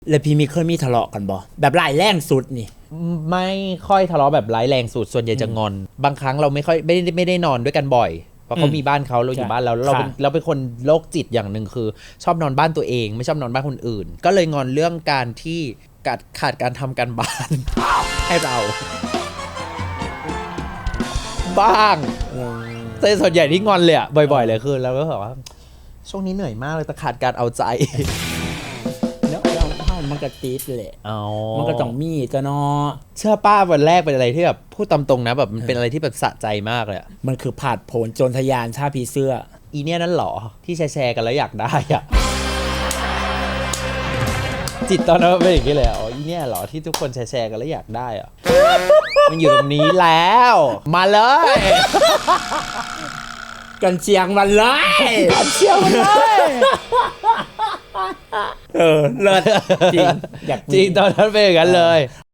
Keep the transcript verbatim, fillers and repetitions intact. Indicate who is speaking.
Speaker 1: แล้วพี่มีเคยมีทะเลาะกันบ่แบบร้ายแรงสุดนี่
Speaker 2: ไม่ค่อยทะเลาะแบบร้ายแรงสุดส่วนใหญ่จะงอนบางครั้งเราไม่ค่อยไม่ได้ไม่ได้นอนด้วยกันบ่อยเพราะเขามีบ้านเขาเราอยู่บ้านเราเราเป็นเราเป็นคนโรคจิตอย่างหนึ่งคือชอบนอนบ้านตัวเองไม่ชอบนอนบ้านคนอื่นก็เลยงอนเรื่องการที่ขาดขาดการทำการบ้าน ให้เราบ้างแต่ส่วนใหญ่ที่งอนเลยอะบ่อยๆเลยคือเราก็แบบว่าช่วงนี้เหนื่อยมากเลยแต่ขาดการเอาใจ
Speaker 1: แล้วเราเฮามันก็ติดแหละมันก็ต้องมีจ้ะเนาะ
Speaker 2: เชื่อป้าวันแรกเป็นอะไรที่แบบพูดตามตรงนะแบบมันเป็นอะไรที่แบบสะใจมากเลยอะ
Speaker 1: มันคือผาดโผนโจรทะยานชาผีเสื้อ
Speaker 2: อีเนี่ยนั่นหรอที่แชร์กันแล้วอยากได้อะจิตตอนนั้นเป็นอย่างนี้เลยอ๋ออีเนี่ยหรอที่ทุกคนแชร์กันแล้วอยากได้อะมันอยู่ตรงนี้แล้วมาเลย
Speaker 1: กันเชียงมันเลย
Speaker 2: กันเชียงมันเลย
Speaker 1: เออเลิศจริงอยาก
Speaker 2: จริงตอนนั้นเป็นอย่างนั้นเลย